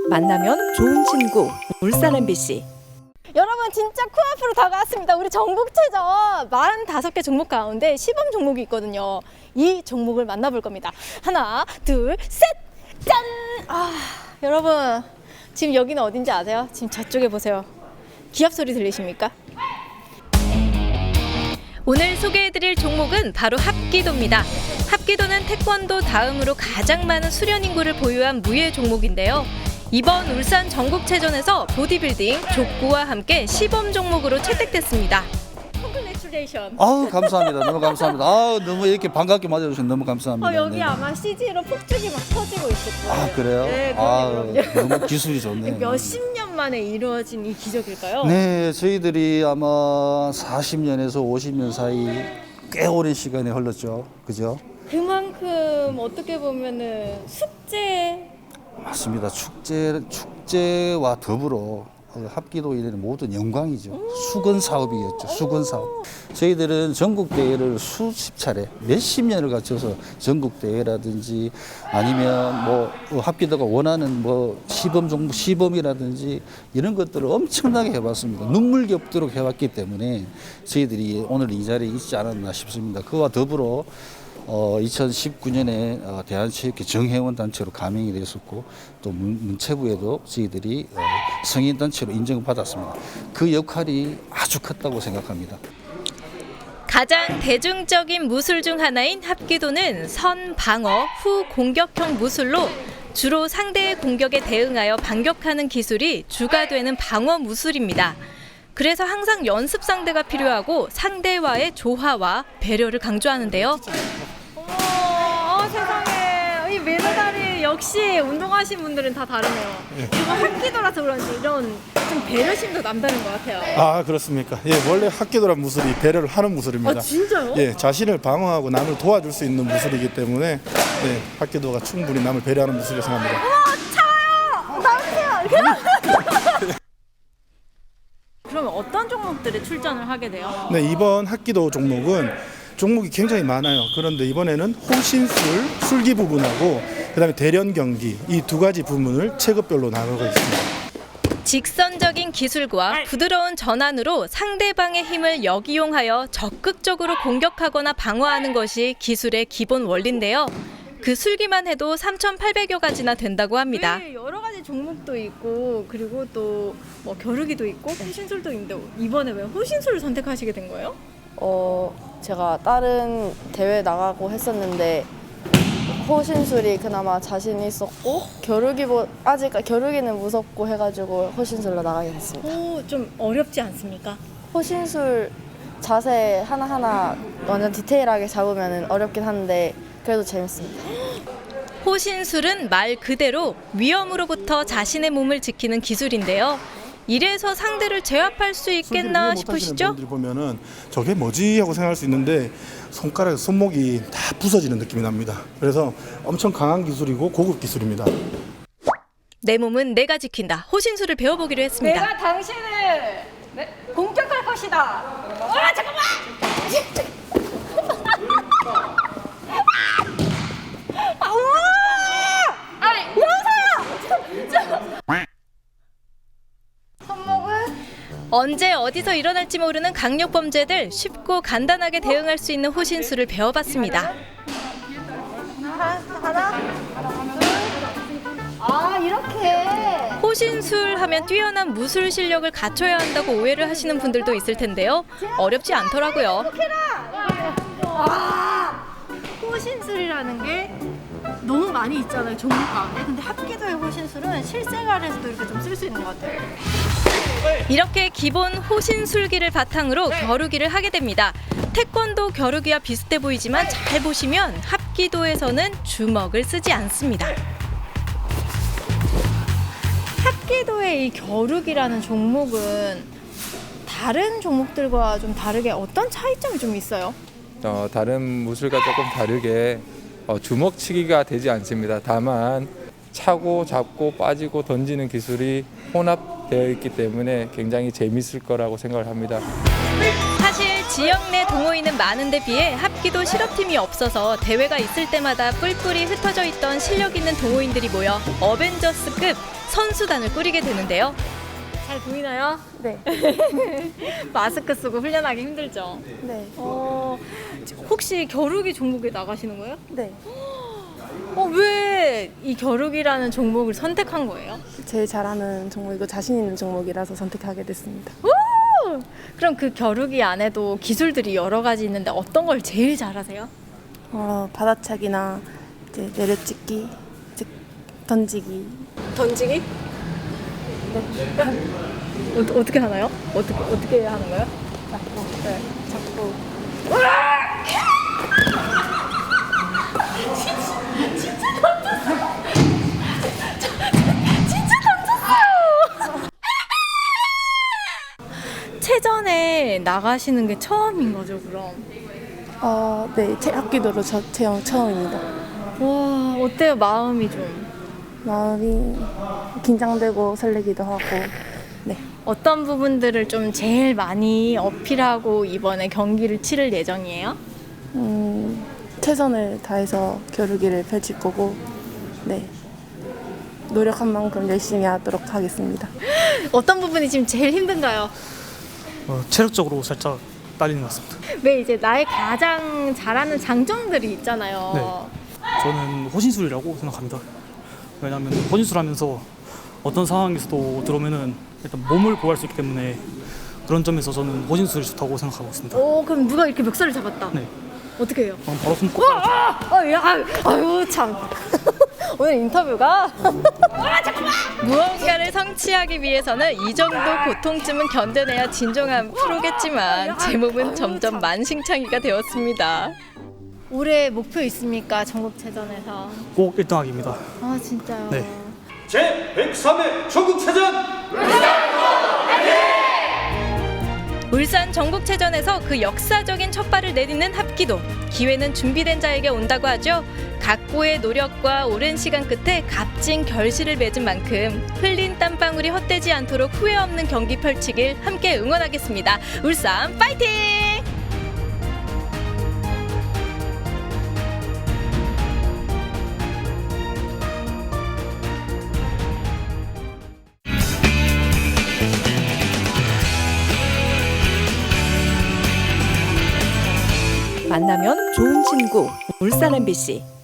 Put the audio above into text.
만나면 좋은 친구 울산 MBC. 여러분 진짜 코앞으로 다가왔습니다. 우리 전국체전 45개 종목 가운데 시범 종목이 있거든요. 이 종목을 만나볼 겁니다. 하나, 둘, 셋! 짠! 여러분 지금 여기는 어딘지 아세요? 지금 저쪽에 보세요. 기합 소리 들리십니까? 오늘 소개해드릴 종목은 바로 합기도입니다. 합기도는 태권도 다음으로 가장 많은 수련 인구를 보유한 무예 종목인데요. 이번 울산 전국체전에서 보디빌딩, 족구와 함께 시범 종목으로 채택됐습니다. Congratulations. 감사합니다. 너무 감사합니다. 너무 이렇게 반갑게 맞아주셔서 너무 감사합니다. 여기 네. 아마 CG로 폭죽이 막 터지고 있을 거예요. 그래요? 네, 그럼요. 너무 기술이 좋네요. 몇십 년 만에 이루어진 이 기적일까요? 네, 저희들이 아마 40년에서 50년 사이 꽤 오랜 시간이 흘렀죠. 그죠? 그만큼 어떻게 보면은 숙제 맞습니다. 축제와 더불어 합기도 일에는 모든 영광이죠. 수건 사업이었죠. 수건 사업. 저희들은 전국 대회를 수십 차례, 몇십 년을 거쳐서 전국 대회라든지 아니면 뭐 합기도가 원하는 뭐 시범이라든지 이런 것들을 엄청나게 해봤습니다. 눈물겹도록 해왔기 때문에 저희들이 오늘 이 자리에 있지 않았나 싶습니다. 그와 더불어 2019년에 대한체육회 정회원 단체로 가명이 됐었고 또 문체부에도 저희들이 성인 단체로 인정을 받았습니다. 그 역할이 아주 컸다고 생각합니다. 가장 대중적인 무술 중 하나인 합기도는 선 방어, 후 공격형 무술로 주로 상대의 공격에 대응하여 반격하는 기술이 주가 되는 방어 무술입니다. 그래서 항상 연습 상대가 필요하고 상대와의 조화와 배려를 강조하는데요. 세상에 이 메다다리 역시 운동하신 분들은 다 다르네요. 이거 합기도라서 그런지 이런 좀 배려심도 남다른 것 같아요. 그렇습니까? 원래 합기도란 무술이 배려를 하는 무술입니다. 진짜요? 자신을 방어하고 남을 도와줄 수 있는 무술이기 때문에 합기도가 충분히 남을 배려하는 무술이라고 생각합니다. 차요! 나오세요! 그러면 어떤 종목들에 출전을 하게 돼요? 이번 합기도 종목이 굉장히 많아요. 그런데 이번에는 호신술, 술기 부분하고 그다음에 대련 경기 이 두 가지 부분을 체급별로 나누고 있습니다. 직선적인 기술과 부드러운 전환으로 상대방의 힘을 역이용하여 적극적으로 공격하거나 방어하는 것이 기술의 기본 원리인데요. 그 술기만 해도 3,800여 가지나 된다고 합니다. 네, 여러 가지 종목도 있고 그리고 또 뭐 겨루기도 있고 호신술도 있는데 이번에 왜 호신술을 선택하시게 된 거예요? 제가 다른 대회 나가고 했었는데 호신술이 그나마 자신 있었고 겨루기는 무섭고 해가지고 호신술로 나가게 됐습니다. 좀 어렵지 않습니까? 호신술 자세 하나하나 완전 디테일하게 잡으면 어렵긴 한데 그래도 재밌습니다. 호신술은 말 그대로 위험으로부터 자신의 몸을 지키는 기술인데요. 이래서 상대를 제압할 수 있겠나 싶으시죠? 분들이 보면은 저게 뭐지 하고 생각할 수 있는데 손목이 다 부서지는 느낌이 납니다. 그래서 엄청 강한 기술이고 고급 기술입니다. 내 몸은 내가 지킨다. 호신술을 배워보기로 했습니다. 내가 당신을 공격할 것이다. 잠깐만! 언제 어디서 일어날지 모르는 강력 범죄들 쉽고 간단하게 대응할 수 있는 호신술을 배워봤습니다. 이렇게. 호신술 하면 뛰어난 무술 실력을 갖춰야 한다고 오해를 하시는 분들도 있을 텐데요. 어렵지 않더라고요. 호신술이라는 게 너무 많이 있잖아요, 종목 가운데. 근데 합기도의 호신술은 실생활에서도 이렇게 좀 쓸 수 있는 것 같아요. 이렇게 기본 호신술기를 바탕으로 겨루기를 하게 됩니다. 태권도 겨루기와 비슷해 보이지만 잘 보시면 합기도에서는 주먹을 쓰지 않습니다. 합기도의 이 겨루기라는 종목은 다른 종목들과 좀 다르게 어떤 차이점이 좀 있어요? 다른 무술과 조금 다르게 주먹치기가 되지 않습니다. 다만 차고 잡고 빠지고 던지는 기술이 혼합되어 있기 때문에 굉장히 재밌을 거라고 생각을 합니다. 사실 지역 내 동호인은 많은데 비해 합기도 실업팀이 없어서 대회가 있을 때마다 뿔뿔이 흩어져 있던 실력 있는 동호인들이 모여 어벤져스급 선수단을 꾸리게 되는데요. 잘 보이나요? 네. 마스크 쓰고 훈련하기 힘들죠? 네. 혹시 겨루기 종목에 나가시는 거예요? 네. 왜 이 겨루기라는 종목을 선택한 거예요? 제일 잘하는 종목이고 자신 있는 종목이라서 선택하게 됐습니다. 그럼 그 겨루기 안에도 기술들이 여러 가지 있는데 어떤 걸 제일 잘하세요? 받아차기나 이제 내려찍기, 이제 던지기. 던지기? 네. 어떻게 하나요? 어떻게 하는 거예요? 잡고. 네. 잡고. 체전에 나가시는 게 처음인 거죠, 그럼? 네. 합기도로 체험 처음입니다. 와, 어때요? 마음이 좀. 마음이 긴장되고 설레기도 하고. 네. 어떤 부분들을 좀 제일 많이 어필하고 이번에 경기를 치를 예정이에요? 최선을 다해서 겨루기를 펼칠 거고, 네. 노력한 만큼 열심히 하도록 하겠습니다. 어떤 부분이 지금 제일 힘든가요? 체력적으로 살짝 딸리는 것 같습니다. 왜 이제 나의 가장 잘하는 장점들이 있잖아요. 네. 저는 호신술이라고 생각합니다. 왜냐하면 호신술하면서 어떤 상황에서도 들어오면은 일단 몸을 보호할 수 있기 때문에 그런 점에서 저는 호신술이 좋다고 생각하고 있습니다. 그럼 누가 이렇게 멱살을 잡았다? 네. 어떻게 해요? 그럼 바로 손 꼭. 아유 참. 오늘 인터뷰가 무언가를 성취하기 위해서는 이 정도 고통쯤은 견뎌내야 진정한 프로겠지만 제 몸은 점점 만신창이가 되었습니다. 올해 목표 있습니까? 전국체전에서. 꼭 1등하기입니다. 아 진짜요? 네. 제103회 전국체전 울산 전국체전에서 그 역사적인 첫발을 내딛는 합기도. 기회는 준비된 자에게 온다고 하죠. 각고의 노력과 오랜 시간 끝에 값진 결실을 맺은 만큼 흘린 땀방울이 헛되지 않도록 후회 없는 경기 펼치길 함께 응원하겠습니다. 울산 파이팅! 만나면 좋은 친구 울산 MBC